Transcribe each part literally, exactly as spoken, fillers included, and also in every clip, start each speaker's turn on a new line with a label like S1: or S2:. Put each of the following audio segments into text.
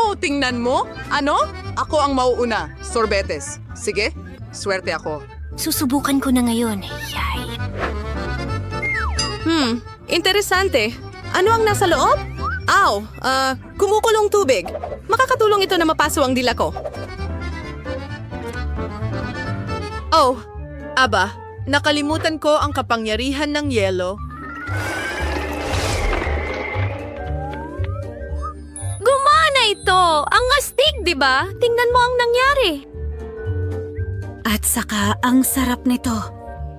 S1: Oh, tingnan mo. Ano? Ako ang mauuna. Sorbetes. Sige, swerte ako.
S2: Susubukan ko na ngayon. Yay.
S3: Hmm, interesante. Ano ang nasa loob? Aw, ah, kumukulong tubig. Makakatulong ito na mapaso ang dila ko. Oh, aba, nakalimutan ko ang kapangyarihan ng yelo.
S2: Gumana ito! Ang astig, di ba? Tingnan mo ang nangyari. At saka, ang sarap nito.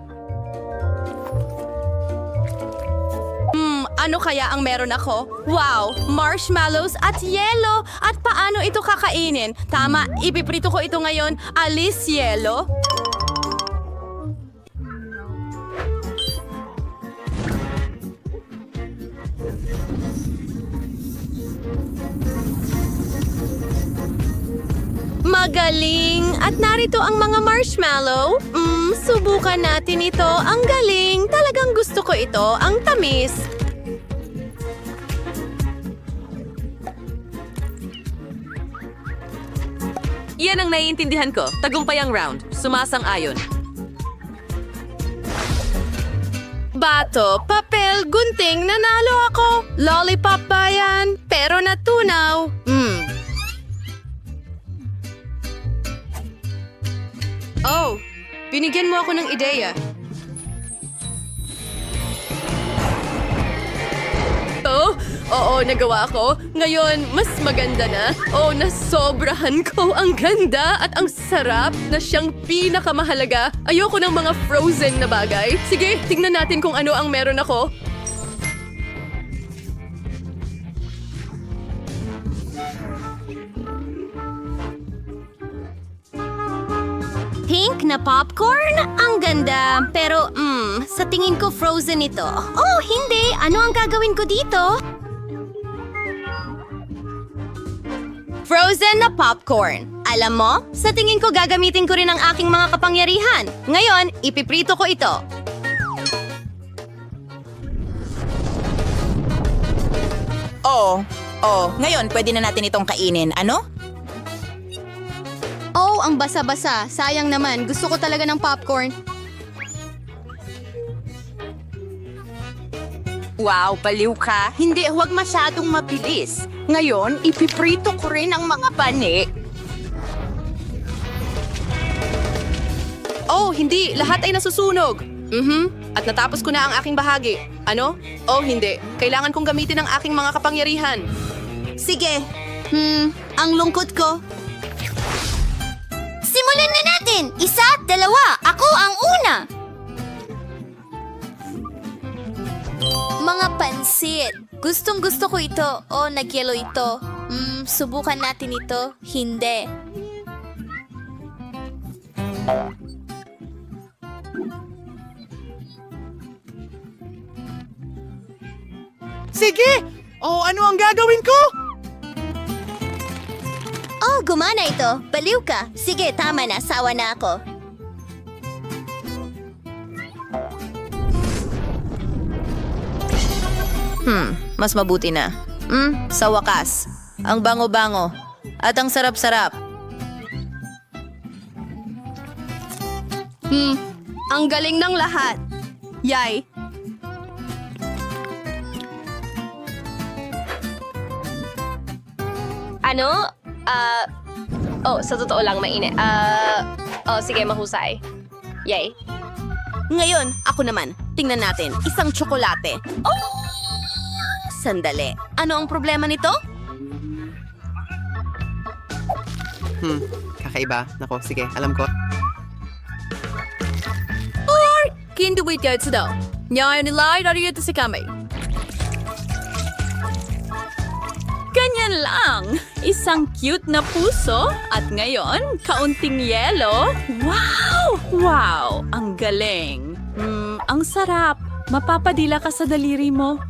S3: Hmm, ano kaya ang meron ako? Wow, marshmallows at yelo! At paano ito kakainin? Tama, ipiprito ko ito ngayon. Alis yelo. Magaling! At narito ang mga marshmallow. Mm, subukan natin ito. Ang galing! Talagang gusto ko ito. Ang tamis. Yan ang naiintindihan ko. Tagumpay ang round. Sumasang-ayon. Bato, papel, gunting, nanalo ako. Lollipop ba yan? Pero natunaw. Hmm. Oh, binigyan mo ako ng ideya. Oh, oo, nagawa ko. Ngayon, mas maganda na. Oh, nasobrahan ko. Ang ganda at ang sarap na siyang pinakamahalaga. Ayoko ng mga frozen na bagay. Sige, tingnan natin kung ano ang meron ako.
S2: Pink na popcorn? Ang ganda. Pero, mm, sa tingin ko frozen ito. Oh, hindi. Ano ang gagawin ko dito?
S3: Frozen na popcorn. Alam mo, sa tingin ko gagamitin ko rin ang aking mga kapangyarihan. Ngayon, ipiprito ko ito.
S4: Oo. Oh, ngayon pwede na natin itong kainin. Ano?
S3: Oh, ang basa-basa. Sayang naman. Gusto ko talaga ng popcorn.
S4: Wow, baliw ka. Hindi, huwag masyadong mabilis. Ngayon, ipiprito ko rin ang mga bani.
S3: Oh, hindi. Lahat ay nasusunog. Mhm. At natapos ko na ang aking bahagi. Ano? Oh, hindi. Kailangan kong gamitin ang aking mga kapangyarihan.
S2: Sige. Hmm, ang lungkot ko. Simulan na natin! Isa, dalawa, ako ang una! Mga pansit. Gustong gusto ko ito. O, nagyelo ito. Hmm, subukan natin ito. Hindi.
S1: Sige! Oh, ano ang gagawin ko?
S2: Oh, gumana ito. Baliw ka. Sige, tama na. Sawa na ako.
S4: Hmm, mas mabuti na. Hmm, sa wakas. Ang bango-bango. At ang sarap-sarap.
S3: Hmm, ang galing ng lahat. Yay.
S5: Ano? Ah, oh, sa totoo lang, mainit. Ah, oh, sige, mahusay. Yay.
S3: Ngayon, ako naman. Tingnan natin. Isang tsokolate. Oh! Sandali. Ano ang problema nito?
S6: Hmm, kakaiba. Nako, sige, alam ko.
S3: Hindi wait ka ito daw. Ngayon nilay na rin ito si Kamay. Ganyan lang. Isang cute na puso. At ngayon, kaunting yelo. Wow! Wow! Ang galing. Mm, ang sarap. Mapapadila ka sa daliri mo.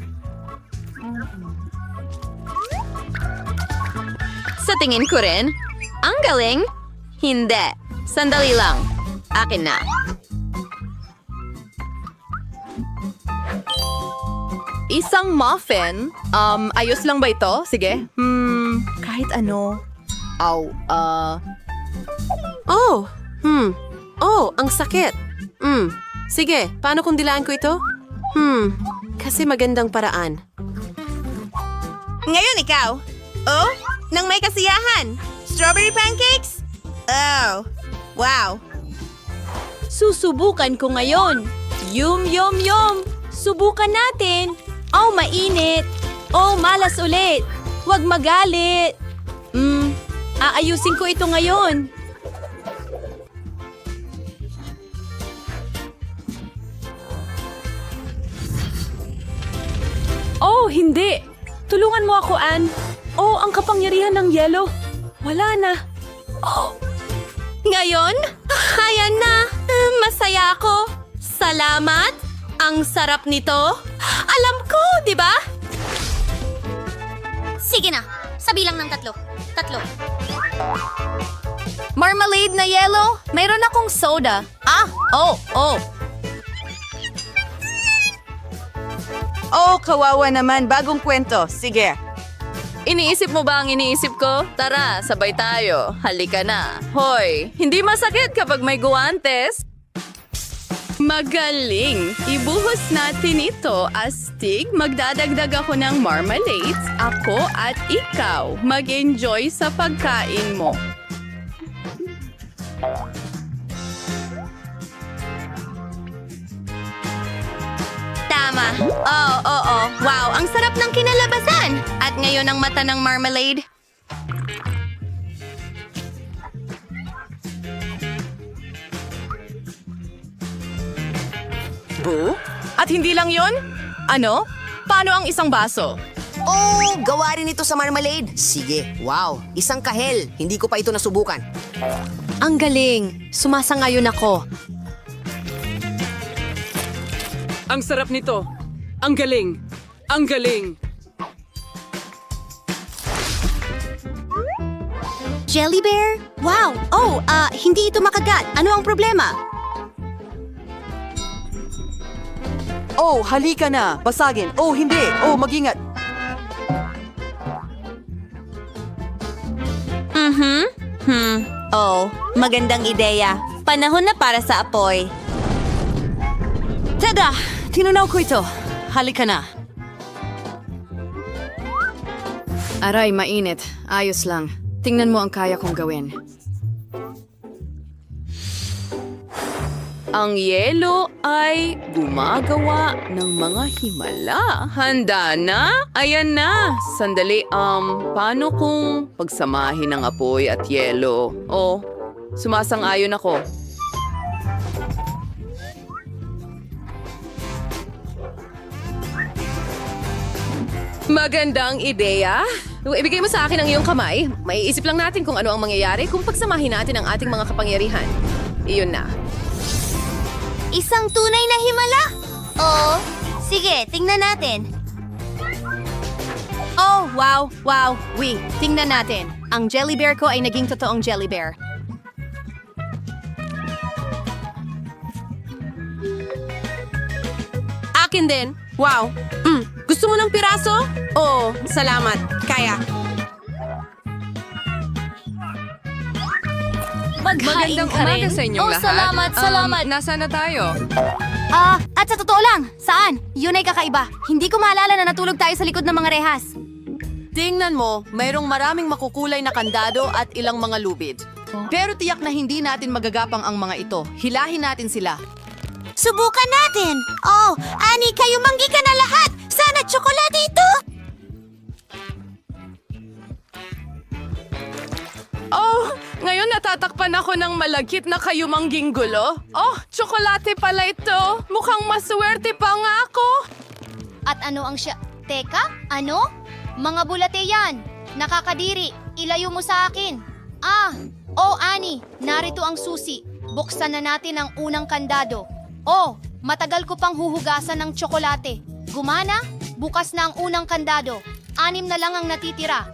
S3: Sa tingin ko rin, ang galing. Hindi. Sandali lang. Akin na. Isang muffin? Um, ayos lang ba ito? Sige. Hmm, kahit kahit ano.
S6: Aw, ah...
S3: Oh, hmm. Oh, ang sakit. Hmm. Sige, paano kung dilaan ko ito? Hmm, kasi magandang paraan.
S4: Ngayon ikaw. Oh, nang may kasiyahan. Strawberry pancakes? Oh, wow.
S2: Susubukan ko ngayon. Yum, yum, yum. Subukan natin. Oh, mainit. Oh, malas ulit. Huwag magalit. Hmm, aayusin ko ito ngayon. Oh, hindi. Tulungan mo ako, Ann. Oh, ang kapangyarihan ng yelo. Wala na. Oh. Ngayon, ayan na. Eh, Masaya ako. Salamat. Ang sarap nito. Alam ko, di ba?
S7: Sige na, sabi lang ng tatlo. Tatlo.
S2: Marmalade na yelo? Mayroon akong soda. Ah, oh, oh.
S1: Oh, kawawa naman. Bagong kwento. Sige.
S3: Iniisip mo ba ang iniisip ko? Tara, sabay tayo. Halika na. Hoy, hindi masakit kapag may guwantes. Magaling! Ibuhos natin ito, astig. Magdadagdag ako ng marmalades. Ako at ikaw. Mag-enjoy sa pagkain mo.
S2: Tama. Oo, oo. Wow, ang sarap ng kinalabasan. At ngayon ang mata ng marmalade.
S1: Bu? At hindi lang yon? Ano? Paano ang isang baso?
S8: Oh, gawa rin ito sa marmalade. Sige, wow. Isang kahel. Hindi ko pa ito nasubukan.
S3: Ang galing! Sumasangayon ako.
S9: Ang sarap nito. Ang galing. Ang galing.
S7: Jelly bear? Wow! Oh, ah, hindi ito makagat. Ano ang problema?
S1: Oh, halika na. Basagin. Oh, hindi. Oh, mag-ingat.
S2: Mhm. Hmm. Oh, magandang ideya. Panahon na para sa apoy.
S3: Tada! Tinunaw ko ito. Halika na. Aray, mainit. Ayos lang. Tingnan mo ang kaya kong gawin. Ang yelo ay gumagawa ng mga himala. Handa na? Ayan na. Sandali, um, paano kung pagsamahin ng apoy at yelo? Oh, sumasang-ayon ako. Magandang ideya. Ibigay mo sa akin ang iyong kamay. Maiisip lang natin kung ano ang mangyayari kung pagsamahin natin ang ating mga kapangyarihan. Iyon na.
S7: Isang tunay na himala? Oo. Sige, tingnan natin.
S2: Oh, wow, wow. Wait, tingnan natin. Ang jelly bear ko ay naging totoong jelly bear.
S3: Akin din. Wow. Mm, gusto mo ng piraso? Oo, salamat. Kaya.
S2: Magandang umaga sa
S3: inyong
S7: Oh,
S3: lahat.
S7: salamat, salamat.
S3: Nasaan na tayo?
S7: Ah, at sa totoo lang, saan? Yun ay kakaiba. Hindi ko maalala na natulog tayo sa likod ng mga rehas.
S3: Tingnan mo, mayroong maraming makukulay na kandado at ilang mga lubid. Pero tiyak na hindi natin magagapang ang mga ito. Hilahin natin sila.
S7: Subukan natin! Oh, Ani, kayo manggi ka na lahat! Sana tsokolate ito!
S3: Oh, ngayon natatakpan ako ng malagkit na kayumangging gulo. Oh, tsokolate pala ito. Mukhang maswerte pa nga ako.
S7: At ano ang siya... Teka, ano? Mga bulate yan. Nakakadiri. Ilayo mo sa akin. Ah, oh Ani, narito ang susi. Buksan na natin ang unang kandado. Oh, matagal ko pang huhugasan ng tsokolate. Gumana? Bukas na ang unang kandado. Anim na lang ang natitira.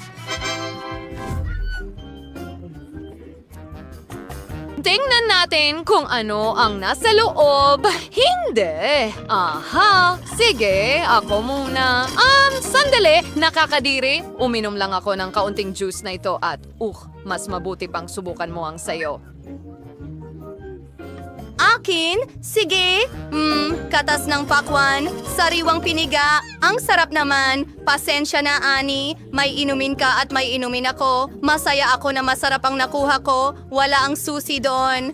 S2: Tingnan natin kung ano ang nasa loob. Hindi. Aha. Sige, ako muna. Um, sandali.
S1: Nakakadiri, uminom lang ako ng kaunting juice na ito at, uh, mas mabuti pang subukan mo ang sayo.
S2: Akin? Sige. Mm, katas ng pakwan, sariwang piniga. Ang sarap naman. Pasensya na, Ani. May inumin ka at may inumin ako. Masaya ako na masarap ang nakuha ko. Wala ang susi doon.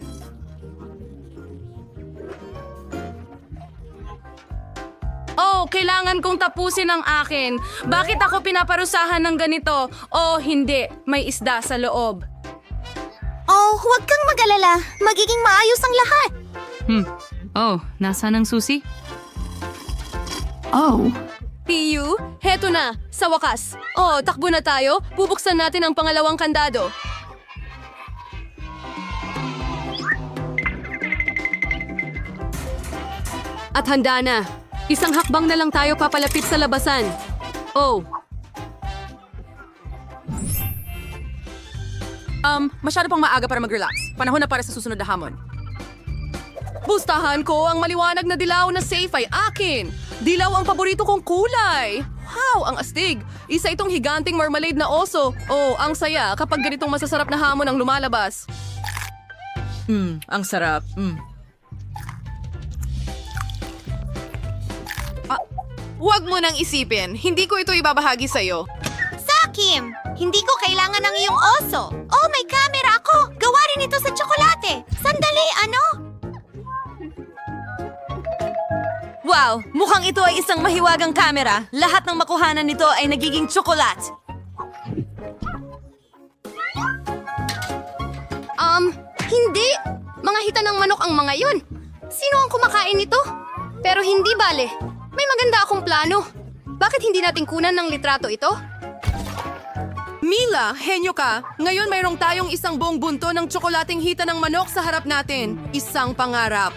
S3: Oh, kailangan kong tapusin ang akin. Bakit ako pinaparusahan ng ganito? Oh, hindi. May isda sa loob.
S7: Oh, huwag kang mag-alala. Magiging maayos ang lahat.
S3: Hmm. Oh, nasaan ang susi? Oh. Piyu, heto na. Sa wakas. Oh, takbo na tayo. Bubuksan natin ang pangalawang kandado. At handa na. Isang hakbang na lang tayo papalapit sa labasan. Oh.
S1: Um, masyado pang maaga para mag-relax. Panahon na para sa susunod na hamon.
S3: Pustahan ko, ang maliwanag na dilaw na safe ay akin. Dilaw ang paborito kong kulay. Wow, ang astig. Isa itong higanting marmalade na oso. Oh, ang saya kapag ganitong masasarap na hamon ang lumalabas.
S1: Hmm, ang sarap. Hmm. Ah, huwag mo nang isipin. Hindi ko ito ibabahagi sa'yo.
S7: Sakim, hindi ko kailangan ng iyong oso. Oh, may camera ako. Gawa rin ito sa tsokolate. Sandali, ano?
S2: Wow, mukhang ito ay isang mahiwagang kamera. Lahat ng makuhanan nito ay nagiging tsokolat.
S3: Um, hindi. Mga hita ng manok ang mga yun. Sino ang kumakain nito? Pero hindi bale. May maganda akong plano. Bakit hindi natin kunan ng litrato ito?
S1: Mila, henyo ka. Ngayon mayroong tayong isang buong bunto ng tsokolating hita ng manok sa harap natin. Isang pangarap.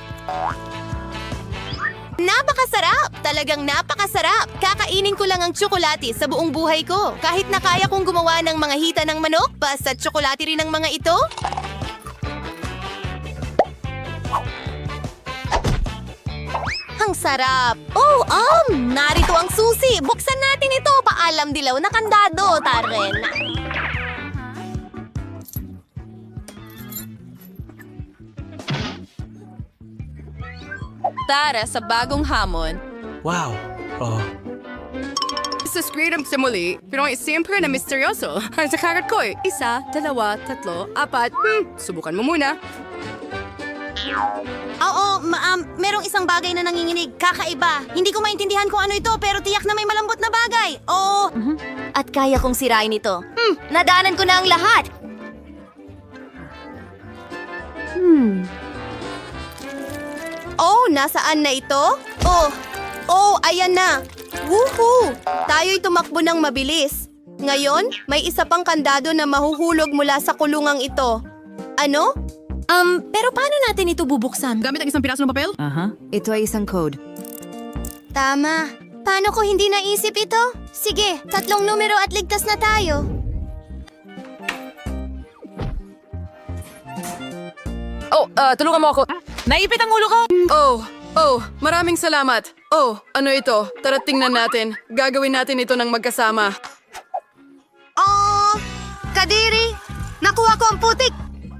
S7: Napakasarap! Talagang napakasarap! Kakainin ko lang ang tsokolate sa buong buhay ko. Kahit na kaya kong gumawa ng mga hita ng manok, basta tsokolate rin ang mga ito. Ang sarap! Oh, um! Narito ang susi! Buksan natin ito! Paalam dilaw na kandado, Taren!
S3: Tara sa bagong hamon.
S10: Wow. Oh.
S3: Sa screen sa muli, pero ay siyempre na misteryoso. Sa karat ko eh. Isa, dalawa, tatlo, apat. Hmm, subukan mo muna.
S7: Oo, ma- um, merong isang bagay na nanginginig. Kakaiba. Hindi ko maintindihan kung ano ito, pero tiyak na may malambot na bagay. Oo. At kaya kong sirain ito. Hmm, nadaanan ko na ang lahat.
S2: Oh, nasaan na ito? Oh, oh, ayan na. Woohoo! Tayo'y tumakbo ng mabilis. Ngayon, may isa pang kandado na mahuhulog mula sa kulungang ito. Ano?
S7: Um, pero paano natin ito bubuksan?
S1: Gamit ang isang piraso ng papel?
S8: Ito ay isang code.
S7: Tama. Paano ko hindi naisip ito? Sige, tatlong numero at ligtas na tayo.
S3: Oh, ah, tulungan mo ako.
S1: Naipit ang ulo ko! Oh, oh, maraming salamat. Oh, ano ito? Tara tingnan natin. Gagawin natin ito ng magkasama.
S2: Oh, Kadiri! Nakuha ko ang putik!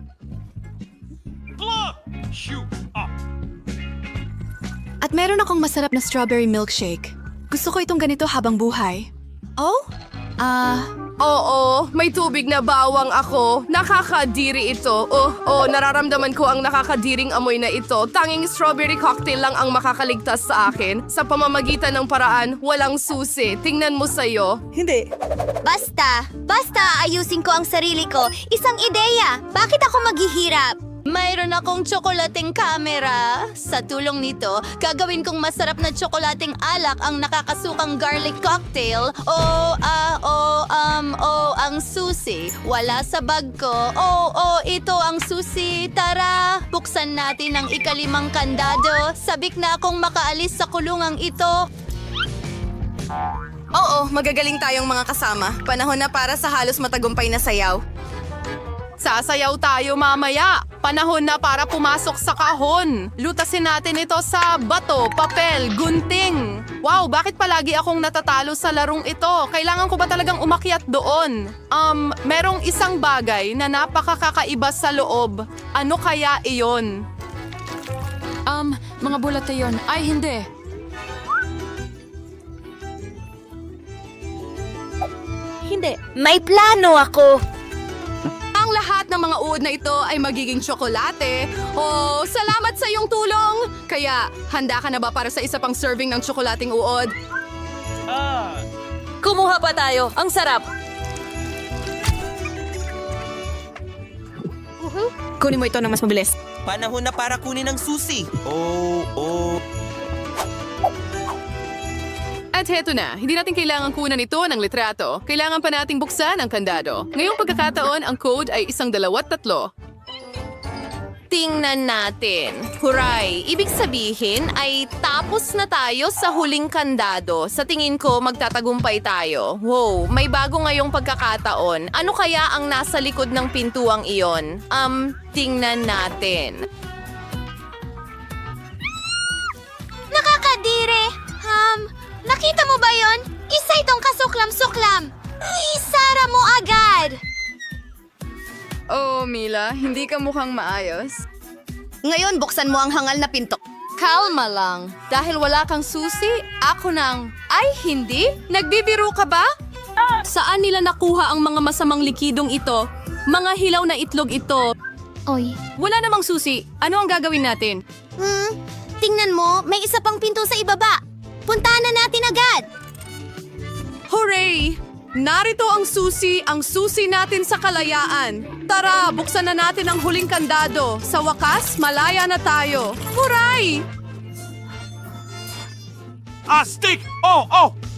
S3: At meron akong masarap na strawberry milkshake. Gusto ko itong ganito habang buhay.
S2: Oh?
S3: Ah, oo, may tubig na bawang ako. Nakakadiri ito. Oh, oh, nararamdaman ko ang nakakadiring amoy na ito. Tanging strawberry cocktail lang ang makakaligtas sa akin. Sa pamamagitan ng paraan, walang susi. Tingnan mo sa'yo.
S7: Basta, basta ayusin ko ang sarili ko. Isang ideya. Bakit ako maghihirap?
S2: Mayroon akong tsokolating camera. Sa tulong nito, gagawin kong masarap na tsokolating alak ang nakakasukang garlic cocktail. O, ah, o, um, o, ang susi. Wala sa bag ko. O, o, ito ang susi. Tara, buksan natin ang ikalimang kandado. Sabik na akong makaalis sa kulungang ito. Oo, magagaling tayong mga kasama. Panahon na para sa halos matagumpay na sayaw.
S1: Sasayaw tayo mamaya. Panahon na para pumasok sa kahon. Lutasin natin ito sa bato, papel, gunting. Wow, bakit palagi akong natatalo sa larong ito? Kailangan ko ba talagang umakyat doon? Um, merong isang bagay na napakakakaiba sa loob. Ano kaya iyon?
S2: Um, mga bulate yon. Ay, hindi. Hindi.
S7: May plano ako.
S1: Ang lahat ng mga uod na ito ay magiging tsokolate. Oh, salamat sa iyong tulong! Kaya, handa ka na ba para sa isa pang serving ng tsokolating uod?
S2: Kumuha pa tayo. Ang sarap.
S1: Kunin mo ito na mas mabilis.
S10: Panahon na para kunin ang susi. Oh, oh.
S1: At heto na, hindi natin kailangan kunan ito ng litrato. Kailangan pa nating buksan ang kandado. Ngayong pagkakataon, ang code ay isang dalawat tatlo.
S3: Tingnan natin. Huray! Ibig sabihin ay tapos na tayo sa huling kandado. Sa tingin ko, magtatagumpay tayo. Wow, may bago ngayong pagkakataon. Ano kaya ang nasa likod ng pintuang iyon? Um, tingnan natin.
S7: Nakakadire! Um, nakita mo ba yon? Isa itong kasuklam-suklam. Isara mo agad!
S1: Oh, Mila, hindi ka mukhang maayos.
S4: Ngayon, buksan mo ang hangal na pinto.
S3: Kalma lang. Dahil wala kang susi, ako nang... Ay, hindi? Nagbibiro ka ba?
S2: Saan nila nakuha ang mga masamang likidong ito? Mga hilaw na itlog ito.
S7: Oy.
S2: Wala namang susi. Ano ang gagawin natin?
S7: Hmm, tingnan mo, may isa pang pinto sa ibaba. Puntahan na natin agad.
S1: Hooray! Narito ang susi, ang susi natin sa kalayaan. Tara, buksan na natin ang huling kandado. Sa wakas, malaya na tayo. Hooray!
S10: Astig! Oh, oh!